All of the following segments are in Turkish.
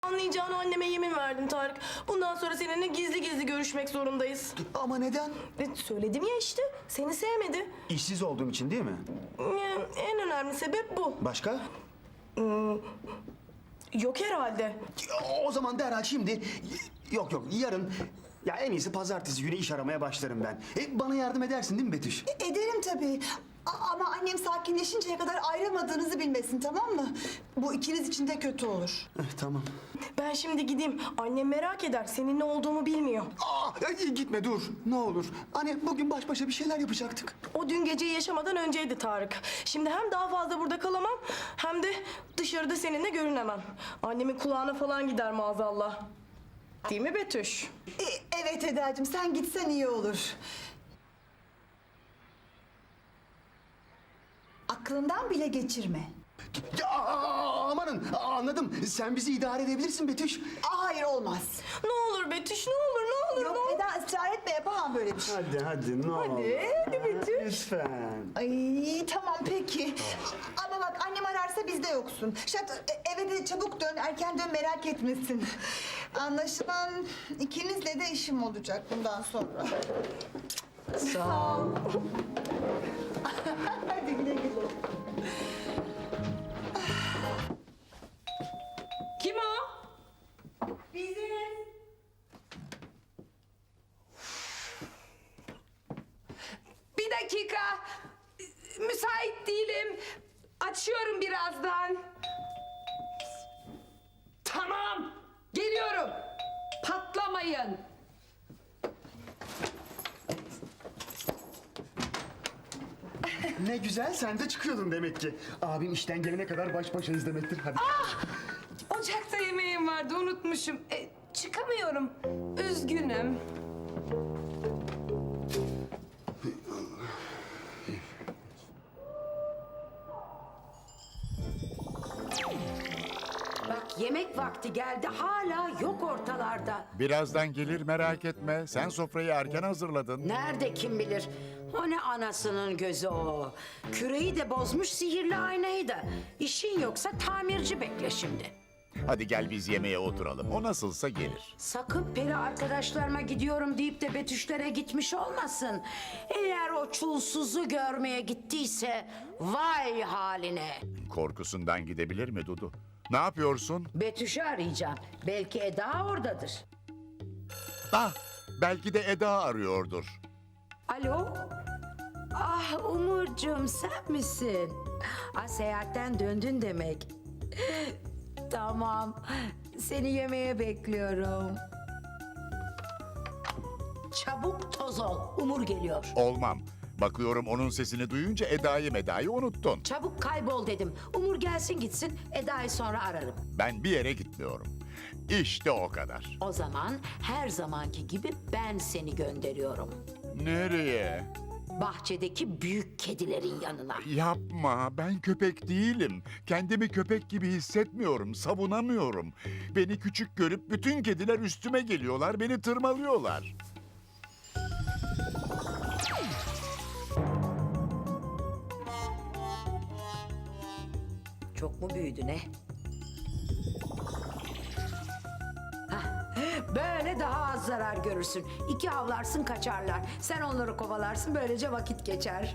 Anlayacağını anneme yemin verdim Tarık. Bundan sonra seninle gizli gizli görüşmek zorundayız. Ama neden? Söyledim ya işte. Seni sevmedi. İşsiz olduğum için değil mi? En önemli sebep bu. Başka? Yok herhalde. O zaman derhal şimdi... Yok yarın... Ya en iyisi pazartesi günü iş aramaya başlarım ben. Bana yardım edersin değil mi Betüş? Ederim tabii. Ama annem sakinleşinceye kadar ayrılmadığınızı bilmesin, tamam mı? Bu ikiniz için de kötü olur. Tamam. Ben şimdi gideyim. Annem merak eder. Senin ne olduğumu bilmiyor. Gitme dur. Ne olur. Hani bugün baş başa bir şeyler yapacaktık. O dün geceyi yaşamadan önceydi Tarık. Şimdi hem daha fazla burada kalamam hem de dışarıda seninle görünemem. Annemin kulağına falan gider maazallah. Değil mi Betüş? Evet Eda'cığım, sen gitsen iyi olur. Aklından bile geçirme. Ya amanın anladım. Sen bizi idare edebilirsin Betüş. Hayır, olmaz. Ne olur Betüş, ne olur, ne olur, ne Yok olur. Eda, ısrar etme, yapamam böyle bir şey. Hadi ne olur. hadi Betüş. Lütfen. Ay tamam peki. Ama bak, annem ararsa bizde yoksun. Eve de çabuk dön, erken dön, merak etmesin. Anlaşılan ikinizle de işim olacak bundan sonra. Sağ ol. Hadi güle güle. Kim o? Biziz. Bir dakika. Müsait değilim. Açıyorum birazdan. Tamam. Geliyorum. Patlamayın. Ne güzel sen de çıkıyordun demek ki. Abim işten gelene kadar baş başayız demektir. Hadi. Ocakta yemeğim vardı, unutmuşum. Çıkamıyorum. Üzgünüm. Bak yemek vakti geldi hala yok ortalarda. Birazdan gelir merak etme. Sen sofrayı erken hazırladın. Nerede kim bilir? O ne anasının gözü o. Küreği de bozmuş sihirli aynayı da. İşin yoksa tamirci bekle şimdi. Hadi gel biz yemeğe oturalım. O nasılsa gelir. Sakın peri arkadaşlarıma gidiyorum deyip de Betüşlere gitmiş olmasın. Eğer o çulsuzu görmeye gittiyse vay haline. Korkusundan gidebilir mi Dudu? Ne yapıyorsun? Betüş'ü arayacağım. Belki Eda oradadır. Ah, belki de Eda arıyordur. Alo? Ah Umurcuğum, sen misin? Ah, seyahatten döndün demek. Tamam. Seni yemeğe bekliyorum. Çabuk toz ol. Umur geliyor. Olmam. Bakıyorum onun sesini duyunca Eda'yı unuttun. Çabuk kaybol dedim. Umur gelsin gitsin. Eda'yı sonra ararım. Ben bir yere gitmiyorum. İşte o kadar. O zaman her zamanki gibi ben seni gönderiyorum. Nereye? Bahçedeki büyük kedilerin yanına. Yapma, ben köpek değilim. Kendimi köpek gibi hissetmiyorum, savunamıyorum. Beni küçük görüp bütün kediler üstüme geliyorlar, beni tırmalıyorlar. Çok mu büyüdü ne? Hah, böyle daha az zarar görürsün. 2 havlarsın kaçarlar. Sen onları kovalarsın, böylece vakit geçer.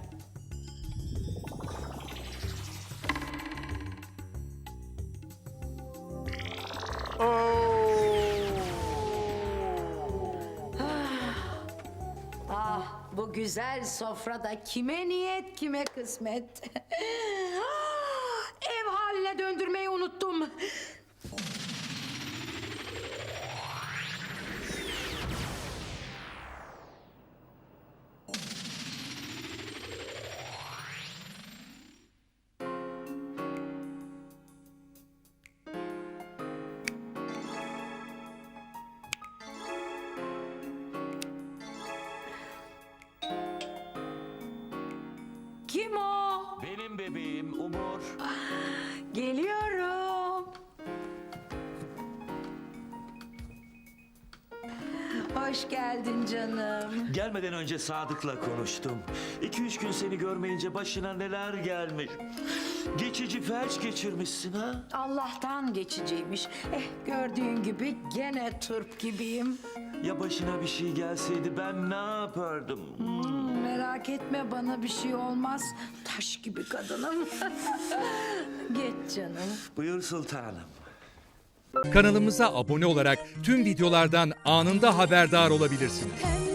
Ah, bu güzel sofrada kime niyet kime kısmet. Ah, ev haline döndürmeyi unuttum. Kim o? Benim bebeğim Umur. Geliyorum. Hoş geldin canım. Gelmeden önce Sadık'la konuştum. 2-3 gün seni görmeyince başına neler gelmiş. Geçici felç geçirmişsin ha? Allah'tan geçiciymiş. Gördüğün gibi gene turp gibiyim. Ya başına bir şey gelseydi ben ne yapardım? Merak etme, bana bir şey olmaz. Taş gibi kadınım. Geç canım. Buyur sultanım. Kanalımıza abone olarak tüm videolardan anında haberdar olabilirsiniz. Pembe